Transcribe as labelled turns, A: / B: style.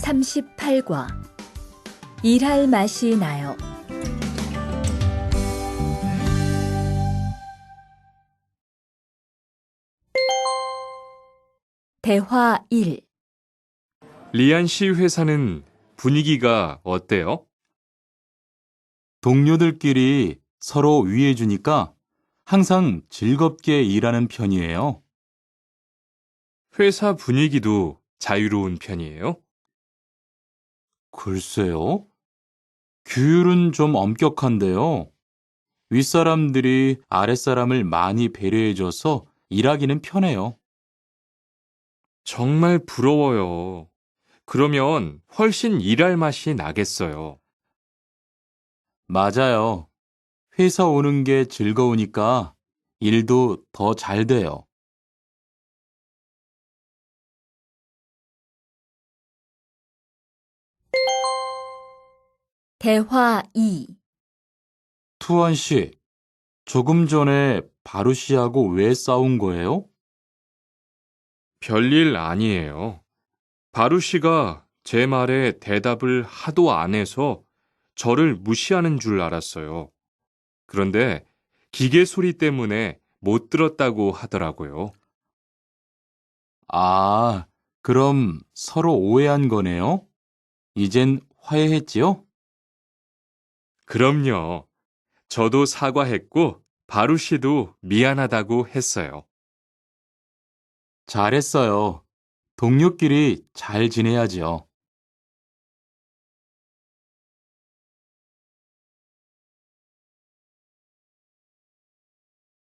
A: 38과 일할 맛이 나요. 대화 1.
B: 리안 씨 회사는 분위기가 어때요?
C: 동료들끼리 서로 위해주니까 항상 즐겁게 일하는 편이에요.
B: 회사 분위기도 자유로운 편이에요?
C: 글쎄요. 규율은 좀 엄격한데요. 윗사람들이 아랫사람을 많이 배려해줘서 일하기는 편해요.
B: 정말 부러워요. 그러면 훨씬 일할 맛이 나겠어요.
C: 맞아요. 회사 오는 게 즐거우니까 일도 더 잘 돼요.
A: 대화 2.
C: 투원 씨, 조금 전에 바루 씨하고 왜 싸운 거예요?
B: 별일 아니에요. 바루 씨가 제 말에 대답을 하도 안 해서 저를 무시하는 줄 알았어요. 그런데 기계 소리 때문에 못 들었다고 하더라고요.
C: 아, 그럼 서로 오해한 거네요? 이젠 화해했지요?
B: 그럼요. 저도 사과했고 바루 씨도 미안하다고 했어요.
C: 잘했어요. 동료끼리 잘 지내야지요.